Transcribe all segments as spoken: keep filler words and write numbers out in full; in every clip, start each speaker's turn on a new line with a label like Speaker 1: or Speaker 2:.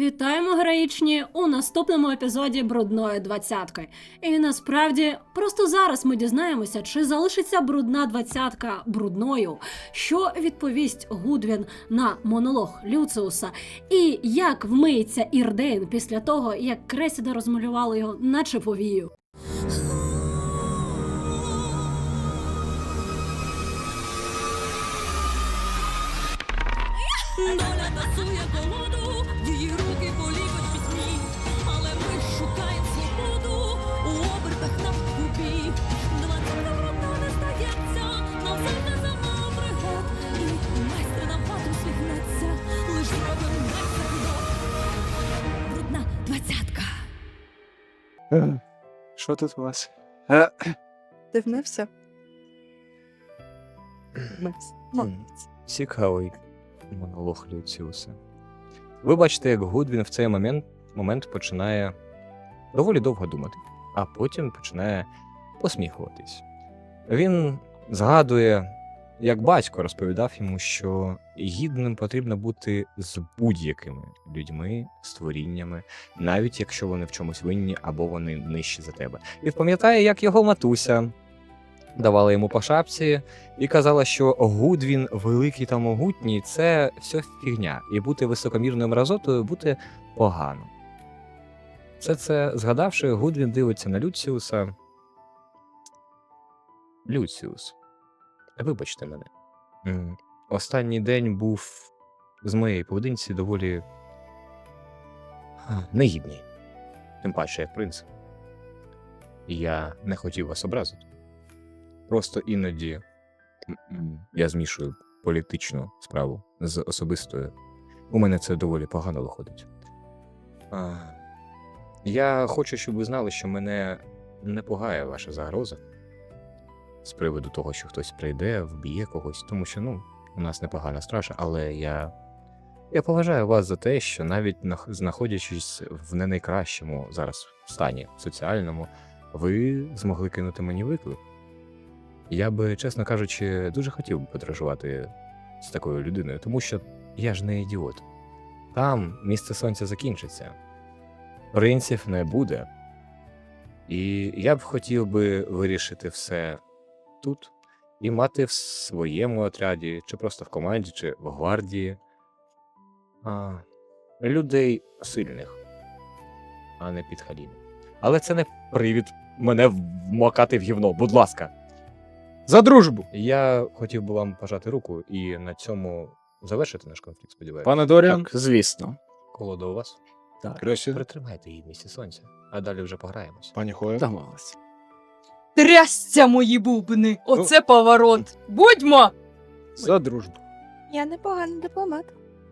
Speaker 1: Вітаємо, героїчні, у наступному епізоді брудної двадцятки. І насправді, просто зараз ми дізнаємося, чи залишиться брудна двадцятка брудною, що відповість Гудвін на монолог Люциуса, і як вмиється Ірдейн після того, як Кресіда розмалювали його наче повію.
Speaker 2: Доля тасує колоду, її руки поліпить пісні, але ми шукаємо свободу у обертах на купі. Двадцятка брудна не стається, нам завжди замало пригод, і майстер нам фату свігнеться, лиш зробимо майстер крок. Брудна двадцятка.
Speaker 3: Що тут у вас?
Speaker 4: Ти вмився? Вмився. Молодець.
Speaker 3: Цікавий монолог Люціуса. Ви бачите, як Гудвін в цей момент, момент починає доволі довго думати, а потім починає посміхуватись. Він згадує, як батько розповідав йому, що гідним потрібно бути з будь-якими людьми, створіннями, навіть якщо вони в чомусь винні або вони нижчі за тебе. І пам'ятає, як його матуся давала йому по шапці і казала, що Гудвін великий та могутній – це все фігня, і бути високомірною мразотою – бути погано. Все це згадавши, Гудвін дивиться на Люціуса. Люціус, вибачте мене. М, Останній день був з моєї поведінці доволі а, негідний. Тим паче, як принц. І я не хотів вас образити. Просто іноді м-м, я змішую політичну справу з особистою. У мене це доволі погано виходить. А, я хочу, щоб ви знали, що мене не пугає ваша загроза з приводу того, що хтось прийде, вб'є когось, тому що, ну, у нас непогана стража, але я, я поважаю вас за те, що навіть нах- знаходячись в не найкращому зараз стані соціальному, ви змогли кинути мені виклик. Я би, чесно кажучи, дуже хотів би подорожувати з такою людиною, тому що я ж не ідіот. Там місце сонця закінчиться, принців не буде. І я б хотів би вирішити все тут і мати в своєму отряді, чи просто в команді, чи в гвардії а, людей сильних, а не підхалімів. Але це не привід мене вмокати в гівно, будь ласка.
Speaker 5: За дружбу!
Speaker 3: Я хотів би вам пожати руку і на цьому завершити наш конфлікт, сподіваюся.
Speaker 5: Пане Доріан?
Speaker 4: Так, звісно.
Speaker 3: Колода у вас?
Speaker 5: Так. Кресі?
Speaker 3: Притримайте її в місці сонця, а далі вже пограємось.
Speaker 5: Пані Хоя?
Speaker 4: Домовились.
Speaker 6: Трясця мої бубни! Оце поворот! Будьмо!
Speaker 5: За дружбу.
Speaker 4: Я непоганий дипломат.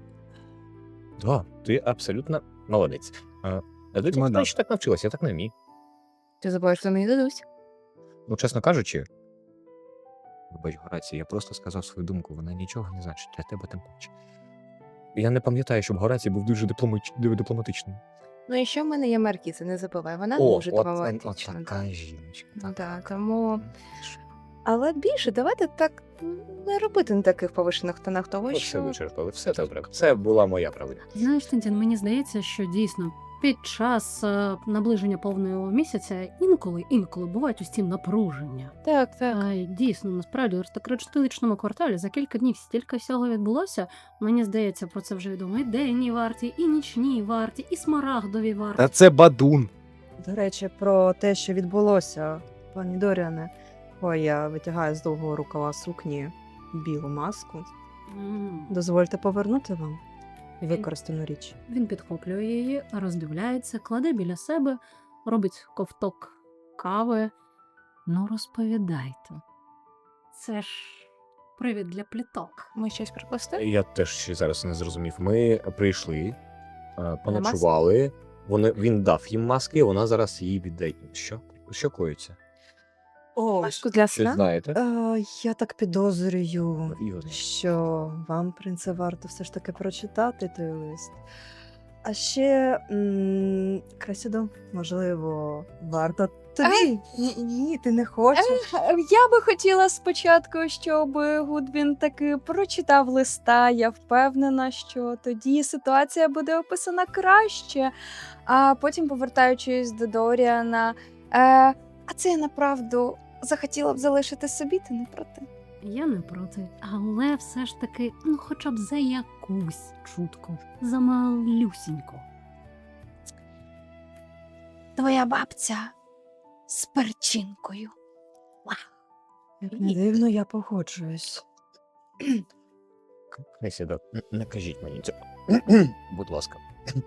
Speaker 3: Да, ти абсолютно молодець. А, а ти
Speaker 5: Мадам.
Speaker 3: знаєш, так навчилась, я так не вмію.
Speaker 4: Ти забуваєш, що мені дадуть?
Speaker 3: Ну, чесно кажучи, вибач, Горацій, я просто сказав свою думку, вона нічого не значить, для тебе тим паче. Я не пам'ятаю, щоб Горацій був дуже дипломач... дипломатичним.
Speaker 4: Ну і що в мене є Маркіза, не забувай, вона
Speaker 3: О,
Speaker 4: дуже
Speaker 3: от,
Speaker 4: дипломатична.
Speaker 3: от така жіночка.
Speaker 4: Ну так, тому... Але більше давайте так не робити на таких повишених тонах того,
Speaker 3: От все
Speaker 4: що...
Speaker 3: вичерпали, все добре. Це була моя правда.
Speaker 1: Знаєш, Тинтін, мені здається, що дійсно під час е, наближення повного місяця інколи, інколи бувають ось ці напруження.
Speaker 4: Так, так.
Speaker 1: А, дійсно, насправді, в аристократичному кварталі за кілька днів стільки всього відбулося. Мені здається, про це вже відомо і денні варті, і нічні варті, і смарагдові варті.
Speaker 5: Та це бадун.
Speaker 7: До речі, про те, що відбулося, пані Доріане. Ой, я витягаю з довгого рукава сукні білу маску.
Speaker 1: М.
Speaker 7: Дозвольте повернути вам використану річ.
Speaker 1: Він підхоплює її, роздивляється, кладе біля себе, робить ковток кави. Ну, розповідайте. Це ж привід для пліток.
Speaker 4: Ми щось пропустили?
Speaker 3: Я теж ще зараз не зрозумів. Ми прийшли, а, поночували, вони, він дав їм маски, вона зараз її віддає. Що? Що коїться?
Speaker 7: О, маску для
Speaker 3: Щось
Speaker 7: сна?
Speaker 3: знаєте?
Speaker 7: Е, я так підозрюю,
Speaker 3: Ігор.
Speaker 7: що вам, принце, варто все ж таки прочитати той лист. А ще, м, Кресідо, можливо, варто
Speaker 4: Тобі? Ні, ні, ти не хочеш.
Speaker 6: Е, Я би хотіла спочатку, щоб Гудвін таки прочитав листа. Я впевнена, що тоді ситуація буде описана краще. А потім, повертаючись до Доріана, е, а це я направду захотіла б залишити собі, ти не проти.
Speaker 1: Я не проти, але все ж таки, ну хоча б за якусь чутку, за малюсіньку.
Speaker 6: Твоя бабця з перчинкою.
Speaker 7: Не дивно, я погоджуюсь.
Speaker 3: Кресідо, н- не кажіть мені цього. Будь ласка.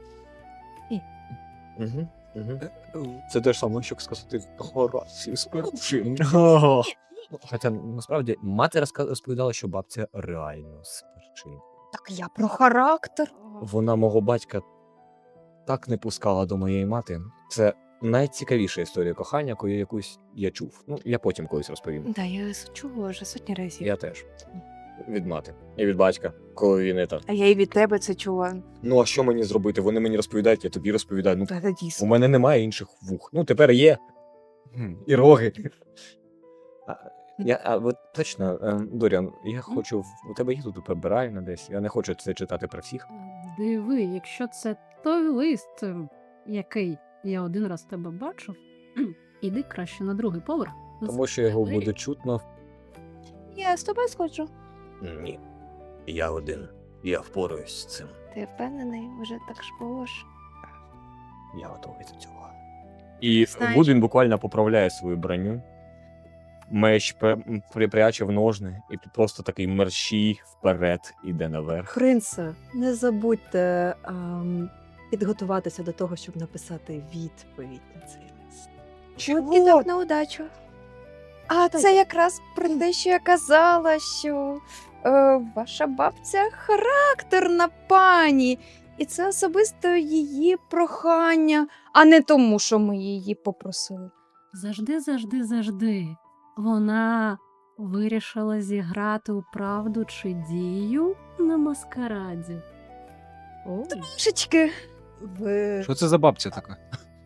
Speaker 4: І?
Speaker 3: Угу, угу. Це те ж саме, що сказати Горацію з перчин. Хоча насправді мати розка- розповідала, що бабця реально з перчин.
Speaker 6: Так я про характер.
Speaker 3: Вона мого батька так не пускала до моєї мати. Це найцікавіша історія кохання, яку я якусь я чув. Ну, я потім колись розповім.
Speaker 4: Да, я чула вже сотні разів.
Speaker 3: Я теж. Від мати. І від батька, коли він не так.
Speaker 4: А я і від тебе це чула.
Speaker 3: Ну а що мені зробити? Вони мені розповідають, я тобі розповідаю. Ну,
Speaker 4: Та це
Speaker 3: у
Speaker 4: дійсно.
Speaker 3: мене немає інших вух. Ну, тепер є. І роги. А, я, а от точно, е, Доріан, я хочу. в- У тебе є тут прибиральна десь. Я не хочу це читати про всіх.
Speaker 1: Диви, якщо це той лист, ем, який я один раз тебе бачив, іди краще на другий поверх.
Speaker 3: Тому що його буде чутно.
Speaker 4: Я з тобою сходжу.
Speaker 3: Ні. Я один. Я впораюсь з цим.
Speaker 4: Ти впевнений, вже так ж було ж.
Speaker 3: Я готовий до цього. І
Speaker 4: Знаєш-
Speaker 3: Гудвін буквально поправляє свою броню. Меч пе- припряче в ножни і просто такий мерщій вперед іде наверх.
Speaker 7: Принце, не забудьте ам, підготуватися до того, щоб написати відповідь на цей лист.
Speaker 6: От і так на удачу. А це якраз про те, що я казала, що е, ваша бабця характерна пані. І це особисто її прохання, а не тому, що ми її попросили.
Speaker 1: Завжди, завжди, завжди. Вона вирішила зіграти у правду чи дію на маскараді.
Speaker 7: О,
Speaker 6: Трошечки.
Speaker 7: ви...
Speaker 5: Що це за бабця така?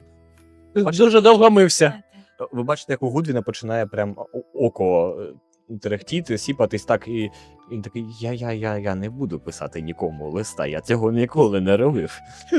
Speaker 3: Дуже довго мився. Ви бачите, як у Гудвіна починає прям о- око е, терехтіти, сіпатись так, і і він такий: я, я, я, я не буду писати нікому листа, я цього ніколи не робив.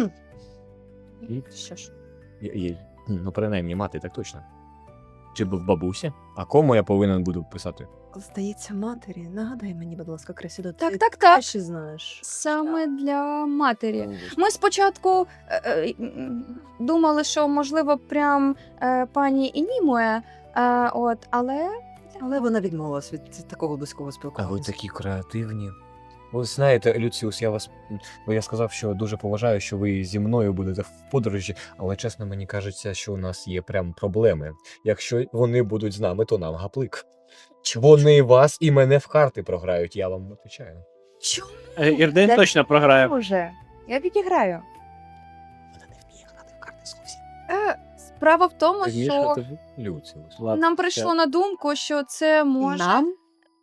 Speaker 3: І
Speaker 7: Що ж?
Speaker 3: Я- я- Ну, принаймні, мати так точно. Чи був бабусі? А кому я повинен буду писати?
Speaker 7: Здається, матері. Нагадай мені, будь ласка, Кресідо,
Speaker 6: Так,
Speaker 7: ти
Speaker 6: так, так.
Speaker 7: краще знаєш.
Speaker 6: Саме для матері. Ми спочатку е, е, м, думали, що можливо прям е, пані Інімує, е, от, але
Speaker 7: Але вона відмовилась від такого близького
Speaker 3: А
Speaker 7: спілкування.
Speaker 3: ви такі креативні. Ви знаєте, Люціус, я вас. Бо я сказав, що дуже поважаю, що ви зі мною будете в подорожі, але чесно, мені кажеться, що у нас є прям проблеми. Якщо вони будуть з нами, то нам гаплик. Вони вас і мене в карти програють, я вам відповідаю.
Speaker 6: чому?
Speaker 5: Ірден
Speaker 4: Де-
Speaker 5: точно програє.
Speaker 4: Уже. Я відіграю.
Speaker 3: Вона не вміє грати в карти зовсім.
Speaker 6: Е, справа в тому, що
Speaker 3: Люціус.
Speaker 6: нам прийшло на думку, що це може.
Speaker 4: Нам?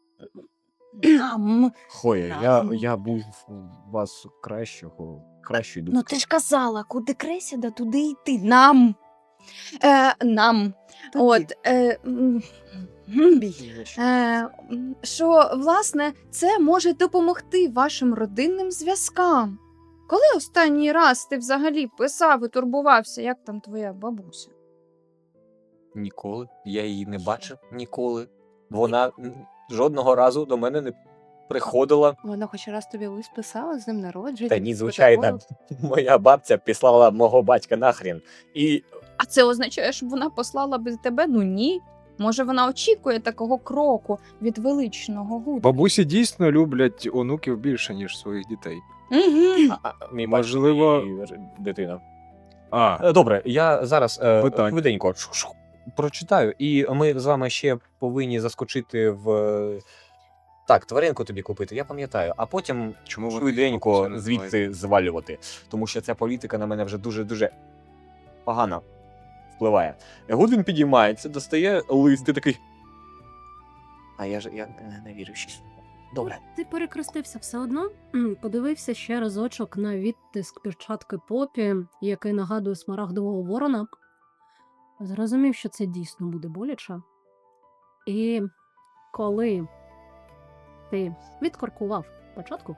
Speaker 6: Нам.
Speaker 3: Хоя,
Speaker 6: Нам.
Speaker 3: я, я був у вас кращого, кращої
Speaker 6: Ну
Speaker 3: думки.
Speaker 6: ти ж казала, куди Кресіда, туди йти. Нам. Е, нам.
Speaker 7: Тоді.
Speaker 6: От. Е, м, м, Е, м, що, власне, це може допомогти вашим родинним зв'язкам. Коли останній раз ти взагалі писав і турбувався, як там твоя бабуся?
Speaker 3: Ніколи. Я її не бачив ніколи. Вона м, жодного разу до мене не приходила.
Speaker 4: Вона хоч раз тобі лист писала з ним народження.
Speaker 3: Та ні, звичайно, моя бабця післала мого батька нахрін. І
Speaker 6: А це означає, що вона послала би тебе? Ну ні. Може, вона очікує такого кроку від величного гуду.
Speaker 5: Бабусі дійсно люблять онуків більше, ніж своїх дітей.
Speaker 6: Угу.
Speaker 3: а, а, мій
Speaker 5: Можливо-
Speaker 3: батько і дитина.
Speaker 5: А,
Speaker 3: Е, Добре, я зараз е,
Speaker 5: Питань.
Speaker 3: швиденько ш-ш- прочитаю, і ми з вами ще повинні заскочити в. е, Так, тваринку тобі купити, я пам'ятаю, а потім
Speaker 5: чому ви
Speaker 3: швиденько звідси звалювати. Тому що ця політика на мене вже дуже-дуже погано впливає. Гудвін підіймається, достає лист і такий. А я ж я не, не вірю ще. Добре.
Speaker 1: Ти перекрестився все одно? М, Подивився ще разочок на відтиск перчатки Попі, який нагадує смарагдового ворона. зрозумів, що це дійсно буде боляче. І коли ти відкоркував початку,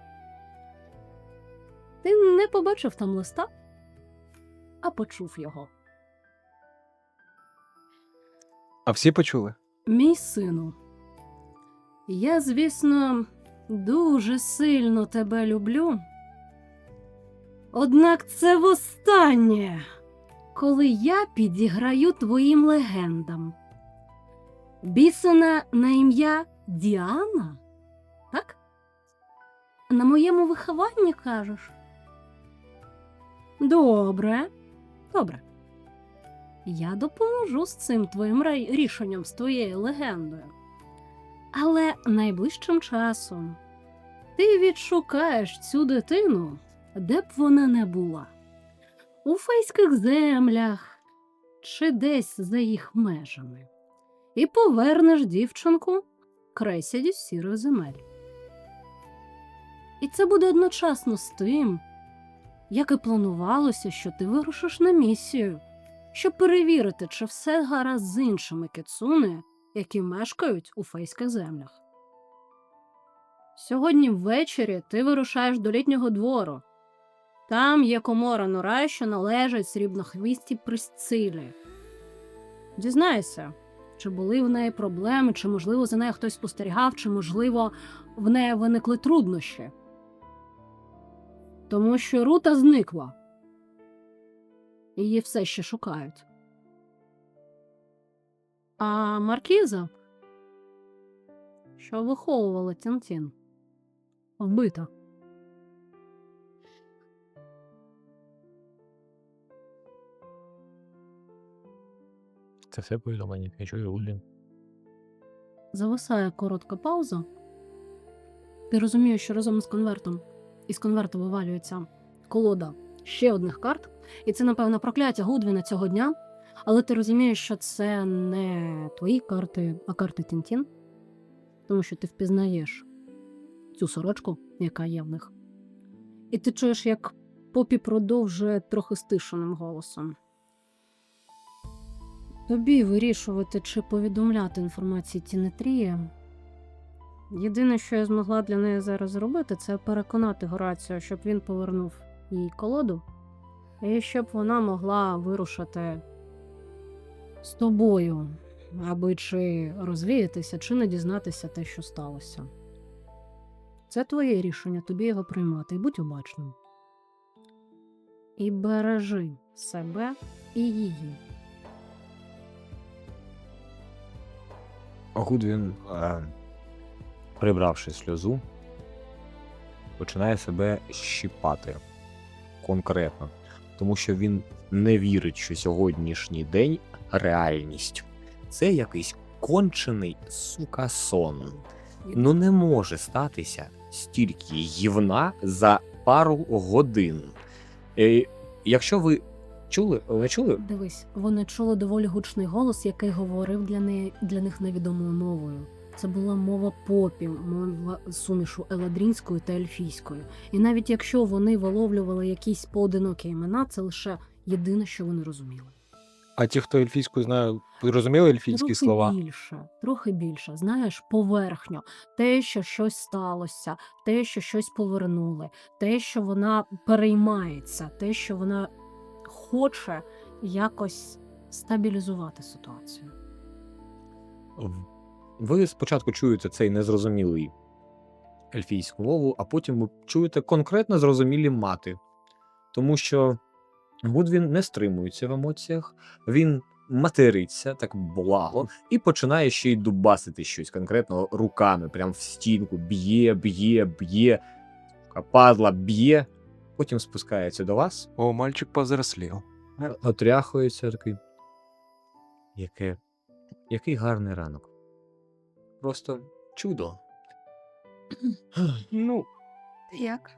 Speaker 1: ти не побачив там листа, а почув його.
Speaker 5: А всі почули?
Speaker 1: Мій сину, я, звісно, дуже сильно тебе люблю. Однак це востаннє, коли я підіграю твоїм легендам. Бісена на ім'я Діана? Так? На моєму вихованні, кажеш? Добре, добре. Я допоможу з цим твоїм рай- рішенням, з твоєю легендою. Але найближчим часом ти відшукаєш цю дитину, де б вона не була. У фейських землях чи десь за їх межами. І повернеш дівчинку кресяді з сірих земель. І це буде одночасно з тим, як і планувалося, що ти вирушиш на місію, щоб перевірити, чи все гаразд з іншими кіцуне, які мешкають у фейських землях. Сьогодні ввечері ти вирушаєш до літнього двору. Там є комора Норай, що належить срібнохвістій Присцилі. Дізнайся, чи були в неї проблеми, чи, можливо, за нею хтось спостерігав, чи, можливо, в неї виникли труднощі. Тому що Рута зникла. Її все ще шукають. А Маркіза, що виховувала Тінтін, вбита.
Speaker 3: Це все повідомлення, я чую Гудвін.
Speaker 1: Зависає коротка пауза. Ти розумієш, що разом з конвертом із конверту вивалюється колода ще одних карт. І це, напевно, прокляття Гудвіна цього дня. Але ти розумієш, що це не твої карти, а карти Тінтін. Тому що ти впізнаєш цю сорочку, яка є в них. І ти чуєш, як Попі продовжує трохи стишеним голосом. Тобі вирішувати, чи повідомляти інформації Тінетрії. Єдине, що я змогла для неї зараз зробити, це переконати Горацію, щоб він повернув їй колоду, і щоб вона могла вирушити з тобою, аби чи розвіятися, чи не дізнатися те, що сталося. Це твоє рішення, тобі його приймати, і будь обачним. І бережи себе і її.
Speaker 3: Гудвін, е, прибравши сльозу, починає себе щіпати конкретно, тому що він не вірить, що сьогоднішній день реальність. Це якийсь кончений, сука, сон. Ну не може статися стільки гівна за пару годин. Е, якщо ви чули, ви чули?
Speaker 1: Дивись, вони чули доволі гучний голос, який говорив для, неї, для них невідомою мовою. Це була мова попі, мова сумішу еладрінською та ельфійською. І навіть якщо вони виловлювали якісь поодинокі імена, це лише єдине, що вони розуміли.
Speaker 5: А ті, хто ельфійську знає, ви розуміли ельфійські
Speaker 1: Трохи
Speaker 5: слова?
Speaker 1: більше, трохи більше. Знаєш, поверхньо. Те, що щось сталося, те, що щось повернули, те, що вона переймається, те, що вона хоче якось стабілізувати ситуацію.
Speaker 3: В- Ви спочатку чуєте цей незрозумілий ельфійську мову, а потім ви чуєте конкретно зрозумілі мати. Тому що Гудвін не стримується в емоціях, він материться так благо і починає ще й дубасити щось конкретно руками, прям в стінку, б'є, б'є, б'є, падла б'є, потім спускається до вас,
Speaker 5: О, мальчик повзрослів.
Speaker 3: отряхується такий. Яке, який гарний ранок. Просто чудо. Ну,
Speaker 4: Як?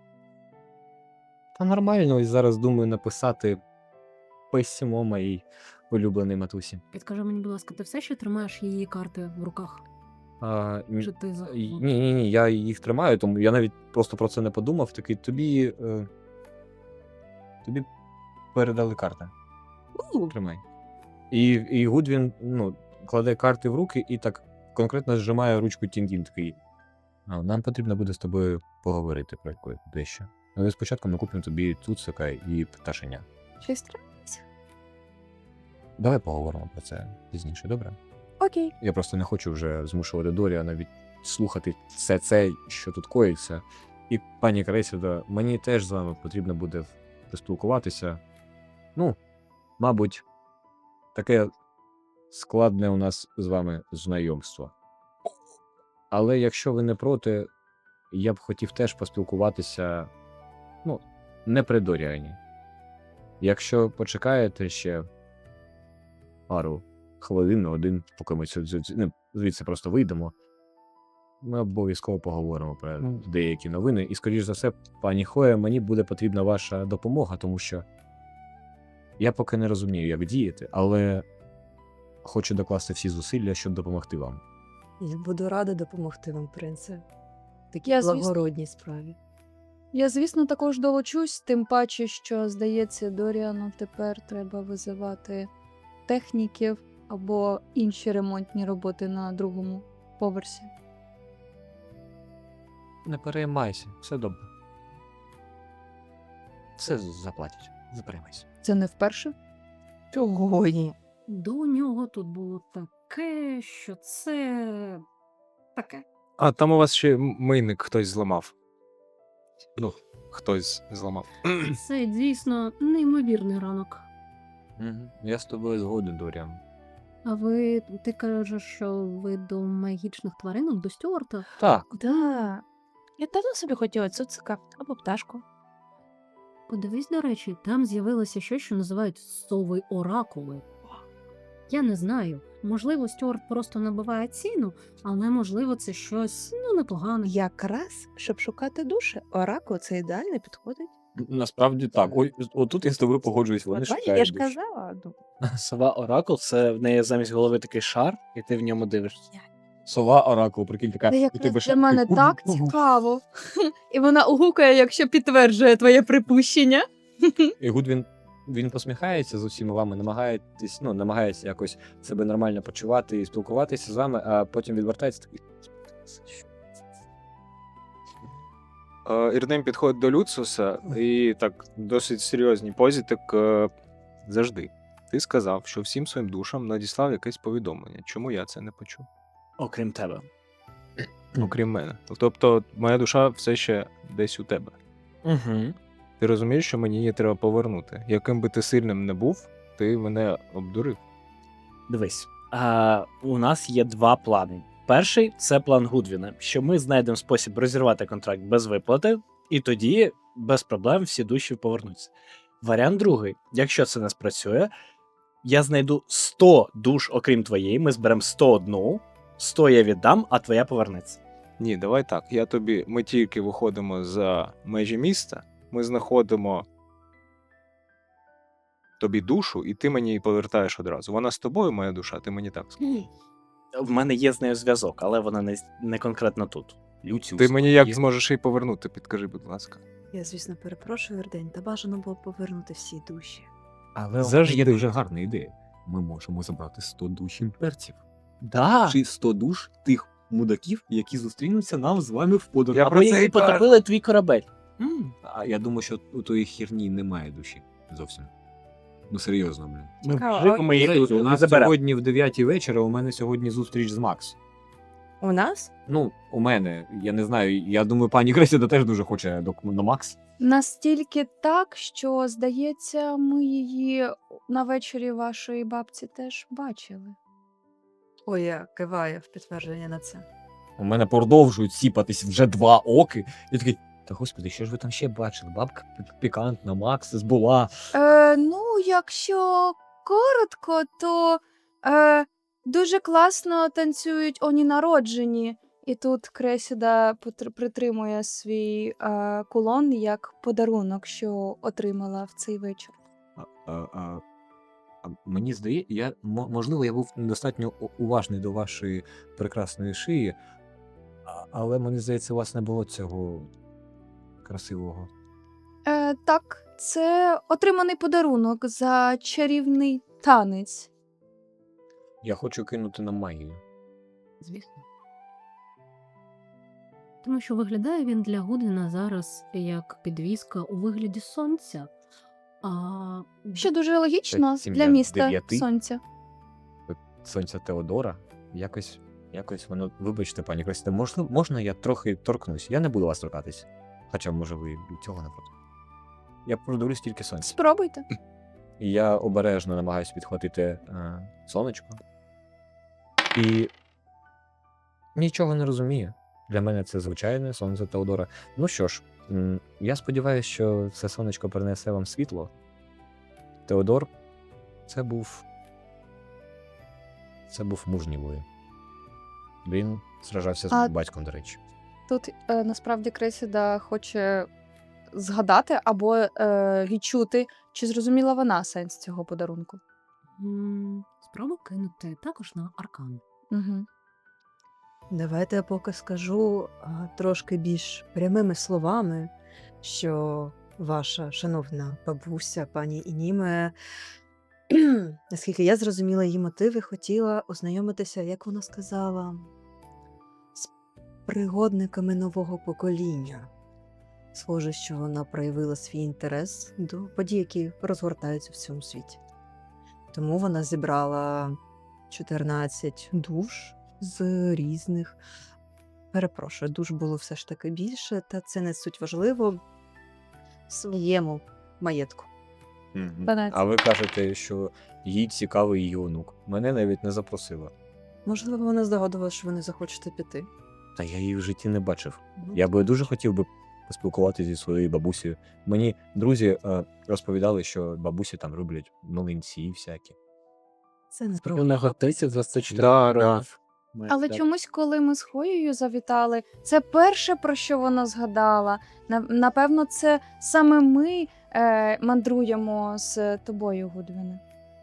Speaker 3: та нормально, ось зараз думаю написати письмо моїй улюбленій матусі.
Speaker 1: Підкажи мені, будь ласка, ти все ще тримаєш її карти в руках?
Speaker 3: А, ні,
Speaker 1: Чи ти за...
Speaker 3: ні, ні, ні, я їх тримаю, тому я навіть просто про це не подумав. Такий тобі. Е, тобі передали карти.
Speaker 4: У,
Speaker 3: Тримай. І, і Гудвін ну, кладе карти в руки і так конкретно зжимає ручку Тіндін такий. «А, нам потрібно буде з тобою поговорити про якось дещо. Але спочатку ми купимо тобі цуцика і пташеня.
Speaker 6: Щось трапилось?
Speaker 3: Давай поговоримо про це пізніше, добре?
Speaker 6: Окей.
Speaker 3: Я просто не хочу вже змушувати Доріана навіть слухати все це, що тут коїться. І, пані Кресіда, мені теж з вами потрібно буде поспілкуватися. Ну, мабуть, таке складне у нас з вами знайомство. Але якщо ви не проти, я б хотів теж поспілкуватися, ну, не при Доріані. Якщо почекаєте ще пару хвилин, ну, один, поки ми цю- цю- цю- ну, звідси просто вийдемо, ми обов'язково поговоримо про
Speaker 5: Ну.
Speaker 3: деякі новини. І, скоріш за все, пані Хоя, мені буде потрібна ваша допомога, тому що я поки не розумію, як діяти, але хочу докласти всі зусилля, щоб допомогти вам.
Speaker 7: Я буду рада допомогти вам, принце. В такій
Speaker 6: Я, звісно.
Speaker 7: благородній справі.
Speaker 6: Я, звісно, також долучусь, тим паче, що, здається, Доріану тепер треба визивати техніків або інші ремонтні роботи на другому поверсі.
Speaker 3: Не переймайся, все добре. Все заплатять, не переймайся.
Speaker 6: Це не вперше?
Speaker 7: Чого ні?
Speaker 1: До нього тут було таке, що це таке.
Speaker 5: А там у вас ще м- мийник хтось зламав. Ну, хтось зламав.
Speaker 1: Це дійсно неймовірний ранок.
Speaker 3: Угу. Я з тобою згоден, Доріан.
Speaker 1: А ви ти кажеш, що ви до магічних тваринок, до Стюарта?
Speaker 3: Так.
Speaker 4: Да. Я давно собі хотіла цуцика або пташку.
Speaker 1: Подивись, до речі, там з'явилося щось, що називають сови оракули. Я не знаю. Можливо, Стюарт просто набиває ціну, але можливо це щось ну непогане.
Speaker 4: Якраз, щоб шукати душі, оракул це ідеально підходить.
Speaker 3: Насправді так. Ой, отут я з тобою погоджуюсь, вони
Speaker 4: От бачиш,
Speaker 3: шукають
Speaker 4: я ж
Speaker 3: душі.
Speaker 4: казала. Ну,
Speaker 8: Сова Оракул, це в неї замість голови такий шар, і ти в ньому дивишся.
Speaker 3: Сова оракул, прикинь, така.
Speaker 6: Це
Speaker 3: і
Speaker 6: якраз
Speaker 3: тебе
Speaker 6: для
Speaker 3: ще-
Speaker 6: мене так цікаво. І вона угукає, якщо підтверджує твоє припущення.
Speaker 3: І Гудвін він посміхається з усіма вами, намагається, ну, намагається якось себе нормально почувати і спілкуватися з вами, а потім відвертається такий.
Speaker 5: Е, Ірдем підходить до Люциуса і так досить серйозній позі, так е, завжди. Ти сказав, що всім своїм душам надіслав якесь повідомлення. Чому я це не почув?
Speaker 8: Окрім тебе.
Speaker 5: Окрім мене. Тобто, моя душа все ще десь у тебе.
Speaker 8: Угу.
Speaker 5: Ти розумієш, що мені її треба повернути. Яким би ти сильним не був, ти мене обдурив.
Speaker 8: Дивись, а, у нас є два плани. Перший це план Гудвіна, що ми знайдемо спосіб розірвати контракт без виплати, і тоді без проблем всі душі повернуться. Варіант другий, якщо це не спрацює, я знайду сто душ, окрім твоєї, ми зберемо сто один, сто я віддам, а твоя повернеться.
Speaker 5: Ні, давай так. Я тобі. Ми тільки виходимо за межі міста, ми знаходимо тобі душу, і ти мені її повертаєш одразу. Вона з тобою, моя душа, ти мені так сказав.
Speaker 8: В мене є з нею зв'язок, але вона не, не конкретно тут.
Speaker 3: Люціус.
Speaker 5: Ти мені як
Speaker 3: є-
Speaker 5: зможеш її повернути, підкажи, будь ласка.
Speaker 7: Я, звісно, перепрошую, Вердень, та бажано було повернути всі душі.
Speaker 3: Але у мене
Speaker 5: Завжди.
Speaker 3: є дуже гарна ідея. Ми можемо забрати сто душ імперців.
Speaker 8: Да.
Speaker 3: Чи сто душ тих мудаків, які зустрінуться нам з вами в подорожі.
Speaker 5: Я
Speaker 8: Або
Speaker 5: про це
Speaker 8: які
Speaker 5: і кажу.
Speaker 8: потопили твій корабель.
Speaker 3: М, А я думаю, що у тої херні немає душі. Зовсім. Ну, серйозно, блін.
Speaker 8: Ми
Speaker 4: Цікаво,
Speaker 8: вживемо
Speaker 4: а-
Speaker 8: їх
Speaker 3: До речі, у
Speaker 8: і
Speaker 3: нас
Speaker 8: заберемо.
Speaker 3: сьогодні в дев'ятій вечора у мене сьогодні зустріч з Макс.
Speaker 4: У нас?
Speaker 3: Ну, у мене, я не знаю, я думаю, пані Кресіда теж дуже хоче до, на Макс.
Speaker 6: Настільки так, що, здається, ми її на вечорі вашої бабці теж бачили.
Speaker 7: Ой, я киваю в підтвердження на це.
Speaker 3: У мене продовжують сіпатись вже два оки. І такий, та господи, що ж ви там ще бачили? Бабка пі- пікантна, Макс була.
Speaker 6: Е, ну, якщо коротко, то е, дуже класно танцюють оні народжені. І тут Кресіда потр- притримує свій е, кулон як подарунок, що отримала в цей вечір.
Speaker 3: А, а, а, а мені здається, я, мо- можливо, я був недостатньо у- уважний до вашої прекрасної шиї, а- але мені здається, у вас не було цього красивого.
Speaker 6: Е, так, це отриманий подарунок за чарівний танець.
Speaker 3: Я хочу кинути на магію.
Speaker 1: Звісно. Тому що виглядає він для Гудвіна зараз як підвіска у вигляді сонця. А
Speaker 6: Що дуже логічно
Speaker 3: сім'я
Speaker 6: для міста
Speaker 3: дев'яти.
Speaker 6: сонця.
Speaker 3: Сонця Теодора. Якось, якось воно, вибачте, пані Красіте, можна, можна я трохи торкнусь? Я не буду вас торкатись. Хоча, може, ви і цього не проти. Я продивлюсь тільки сонце.
Speaker 6: Спробуйте.
Speaker 3: І я обережно намагаюся підхватити е, сонечко. І нічого не розумію. Для мене це звичайне сонце Теодора. Ну що ж, м, я сподіваюся, що це сонечко принесе вам світло. Теодор, це був. Це був мужній воїн. Він сражався з
Speaker 6: А-
Speaker 3: батьком, до речі.
Speaker 6: Тут е, насправді Кресіда хоче згадати або е, відчути, чи зрозуміла вона сенс цього подарунку.
Speaker 1: м, спробуй кинути також на аркан.
Speaker 6: Угу.
Speaker 7: Давайте я поки скажу а, трошки більш прямими словами, що ваша шановна бабуся, пані Ініме, наскільки я зрозуміла її мотиви, хотіла ознайомитися, як вона сказала, з пригодниками нового покоління. Схоже, що вона проявила свій інтерес до подій, які розгортаються в цьому світі. Тому вона зібрала чотирнадцять душ з різних. Перепрошую, душ було все ж таки більше, та це не суть важливо в своєму маєтку.
Speaker 6: дванадцять.
Speaker 3: А ви кажете, що їй цікавий її онук. Мене навіть не запросила.
Speaker 7: Можливо, вона здогадувалася, що ви не захочете піти.
Speaker 3: Та я її в житті не бачив.
Speaker 7: Ну,
Speaker 3: Я би дуже хотів би поспілкуватися зі своєю бабусею. Мені друзі е, розповідали, що бабусі там роблять млинці всякі.
Speaker 7: Це не
Speaker 8: У
Speaker 7: правда.
Speaker 8: нього тридцять двадцять чотири
Speaker 5: Да, да.
Speaker 8: років. Ми-
Speaker 6: Але
Speaker 8: так.
Speaker 6: чомусь, коли ми з Хоєю завітали, це перше, про що вона згадала. На- Напевно, це саме ми е, мандруємо з тобою, Гудвіне.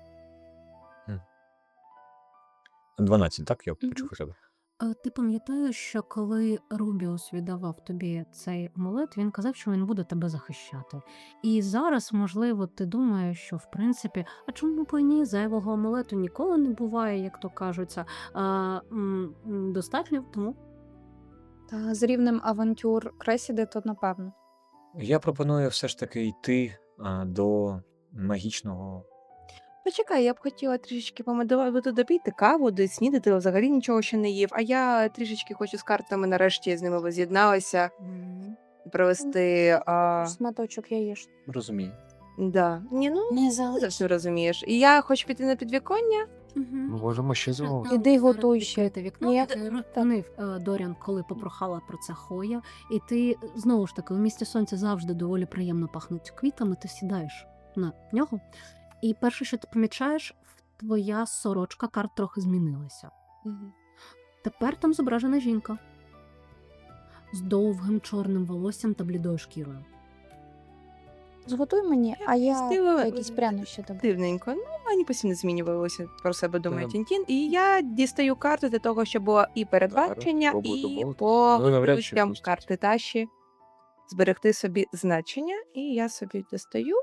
Speaker 3: дванадцять, так? Я
Speaker 6: Мгм.
Speaker 3: почув хоча б.
Speaker 1: Е, Ти пам'ятаєш, що коли Рубіус віддавав тобі цей амулет, він казав, що він буде тебе захищати. І зараз, можливо, ти думаєш, що в принципі, а чому б і ні, зайвого амулету ніколи не буває, як то кажуться. А, м, м, достатньо, тому
Speaker 6: Та з рівнем авантюр Кресіди, то напевно.
Speaker 3: Я пропоную все ж таки йти а, до магічного.
Speaker 4: Почекай, я б хотіла трішечки помедувати допійти каву, де снідати, взагалі нічого ще не їв. А я трішечки хочу з картами, нарешті з ними воз'єдналася, провести. А...
Speaker 6: Сматочок яєш.
Speaker 8: Розумію.
Speaker 4: Да. Ні, ну
Speaker 6: Не
Speaker 4: ти завжди розумієш. І я хочу піти на підвіконня.
Speaker 5: Ми можемо ще зробити.
Speaker 6: Іди готуй ще.
Speaker 1: Відкрите вікно.
Speaker 6: Ні,
Speaker 1: Ти розповів, е, Доріан, коли попрохала про це Хоя, і ти знову ж таки у місті сонця завжди доволі приємно пахнуть квітами. Ти сідаєш на нього, і перше, що ти помічаєш, твоя сорочка карт трохи змінилася. Тепер там зображена жінка з довгим чорним волоссям та блідою шкірою.
Speaker 6: Зготуй мені, а я
Speaker 4: Стила-
Speaker 6: якісь прянощі добре.
Speaker 4: Дивненько. Ну, вони постійно змінювалися, про себе думає
Speaker 5: Та-
Speaker 4: Тінтін. І я дістаю карту для того, щоб було і передбачення,
Speaker 5: спробуй
Speaker 4: і
Speaker 5: домовити.
Speaker 4: по
Speaker 5: Ну, навряд чи
Speaker 4: ключам
Speaker 5: пустять.
Speaker 4: карти Таші зберегти собі значення. І я собі достаю.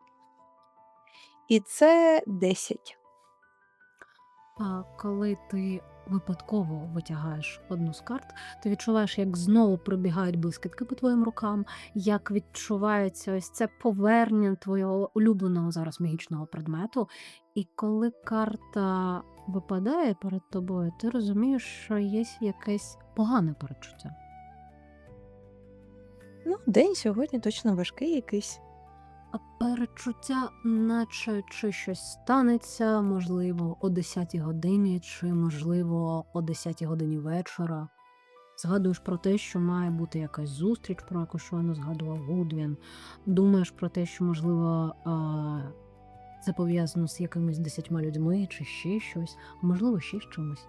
Speaker 4: І це десять.
Speaker 1: А коли ти випадково витягаєш одну з карт, ти відчуваєш, як знову пробігають блискітки по твоїм рукам, як відчувається ось це повернення твого улюбленого зараз магічного предмету. І коли карта випадає перед тобою, ти розумієш, що є якесь погане перечуття.
Speaker 4: Ну, день сьогодні точно важкий якийсь.
Speaker 1: А перечуття, наче чи щось станеться, можливо, о десятій годині, чи, можливо, о десятій годині вечора. Згадуєш про те, що має бути якась зустріч, про яку щойно згадував Гудвін. Думаєш про те, що, можливо, а, це пов'язано з якимись десятьма людьми, чи ще щось, а можливо, ще з чимось.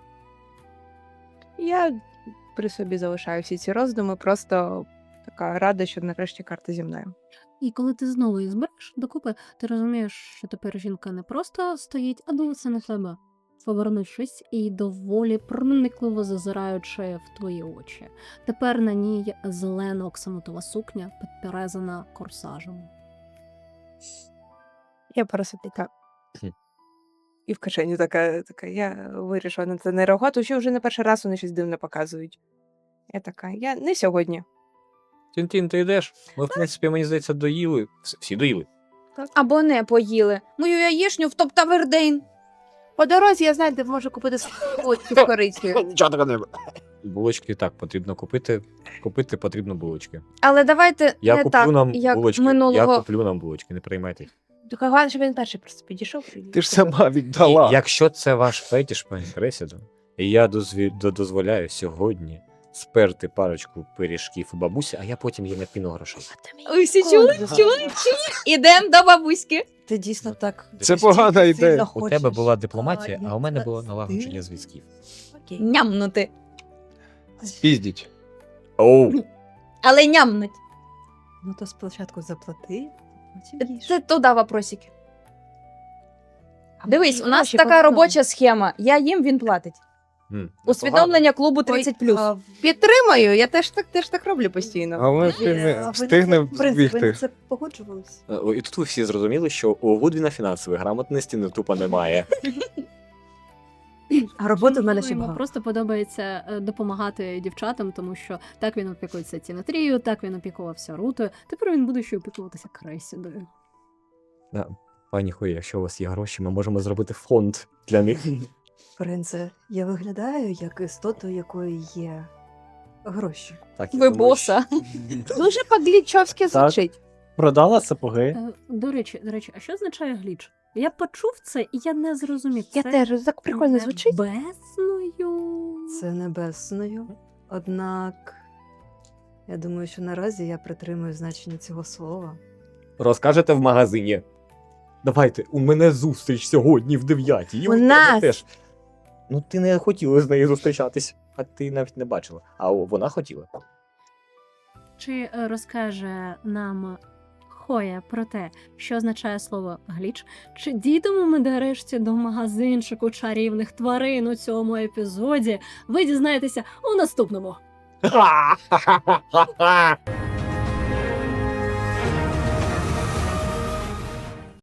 Speaker 4: Я при собі залишаю всі ці роздуми, просто така рада, що нарешті карта зі мною.
Speaker 1: І коли ти знову їх збереш докупи, ти розумієш, що тепер жінка не просто стоїть, а дивиться на тебе, повернувшись і доволі проникливо зазираючи в твої очі. Тепер на ній зелена оксамитова сукня, підперезана корсажем.
Speaker 4: Я просто така. І в кишені така, така. Я вирішила на це не реагувати, що вже не перший раз вони щось дивне показують. Я така, я не сьогодні.
Speaker 3: Тін-тін, ти йдеш? Ми, в принципі, мені здається, доїли. Вс- Всі доїли.
Speaker 6: Або не поїли. Мою яєшню втоптав Ердейн.
Speaker 4: По дорозі я знаю, де можу купити булочки з корицею.
Speaker 3: Нічого такого не булочки так, потрібно купити. Купити потрібно булочки.
Speaker 6: Але давайте
Speaker 3: Я
Speaker 6: не
Speaker 3: куплю
Speaker 6: так,
Speaker 3: нам
Speaker 6: як
Speaker 3: булочки. Я
Speaker 6: минулого.
Speaker 3: куплю нам булочки, не переймайтесь.
Speaker 4: Тільки головне, щоб він перший просто підійшов. і
Speaker 5: Ти ж
Speaker 4: купив.
Speaker 5: сама віддала.
Speaker 3: І якщо це ваш фетіш, пані Кресіду, і я дозві- до- дозволяю сьогодні сперти парочку пиріжків у бабусі, а я потім їм накину грошей.
Speaker 6: Ви всі чули? Чули? Чули? Ідем до бабуськи.
Speaker 7: Ти дійсно так.
Speaker 5: Це погана
Speaker 7: сильно
Speaker 5: ідея.
Speaker 3: У тебе
Speaker 7: хочеш,
Speaker 3: була дипломатія,
Speaker 7: а,
Speaker 3: а у мене
Speaker 7: як
Speaker 3: було
Speaker 7: це
Speaker 3: налагодження
Speaker 7: стиль?
Speaker 3: зв'язків.
Speaker 7: Окей.
Speaker 6: Нямнути.
Speaker 5: Піздіть.
Speaker 3: Оу!
Speaker 6: Але нямнуть.
Speaker 7: Ну то спочатку заплати, потім їж.
Speaker 6: Це туди вопросики.
Speaker 4: А
Speaker 6: Дивись,
Speaker 4: може,
Speaker 6: у нас
Speaker 4: гроші
Speaker 6: така
Speaker 4: повернемо?
Speaker 6: робоча схема. Я їм, він платить.
Speaker 3: М,
Speaker 6: Усвідомлення клубу
Speaker 4: Ой,
Speaker 6: тридцять плюс.
Speaker 7: А,
Speaker 4: Підтримаю, я теж так, теж так роблю постійно.
Speaker 5: А ми
Speaker 7: а
Speaker 5: встигне,
Speaker 7: ви на
Speaker 5: встигне
Speaker 7: це- в принципі, ви
Speaker 5: збігти.
Speaker 7: на це погоджувались?
Speaker 3: погано. Е, І тут ви всі зрозуміли, що у Гудвіна фінансової грамотності не тупо немає.
Speaker 7: А роботи в мене ще
Speaker 1: Йому
Speaker 7: багато.
Speaker 1: просто подобається е, допомагати дівчатам, тому що так він опікується Тінатрією, так він опікувався Рутою. Тепер він буде ще опікуватися Кресідою.
Speaker 3: Да. Пані Хої, якщо у вас є гроші, ми можемо зробити фонд для них.
Speaker 7: Принце, я виглядаю як істота, у якої є гроші.
Speaker 3: Так, я
Speaker 6: Ви
Speaker 3: думаю,
Speaker 6: боса.
Speaker 4: Дуже по-глічовськи звучить.
Speaker 8: Продала сапоги.
Speaker 1: Е, До речі, до речі, а що означає гліч? Я почув це і я не зрозумів.
Speaker 4: Я
Speaker 1: Це
Speaker 4: теж так прикольно звучить.
Speaker 1: Небесною.
Speaker 7: Це небесною. Однак, я думаю, що наразі я притримую значення цього слова.
Speaker 3: Розкажете в магазині. Давайте, у мене зустріч сьогодні в дев'ятій. і
Speaker 4: У
Speaker 3: тебе
Speaker 4: нас.
Speaker 3: теж. Ну, ти не хотіла з нею зустрічатись, а ти навіть не бачила. А о, вона хотіла.
Speaker 1: Чи е, розкаже нам Хоя про те, що означає слово гліч? Чи дійдемо ми нарешті до магазинчику чарівних тварин у цьому епізоді? Ви дізнаєтеся у наступному.
Speaker 3: Ха-ха-ха-ха-ха!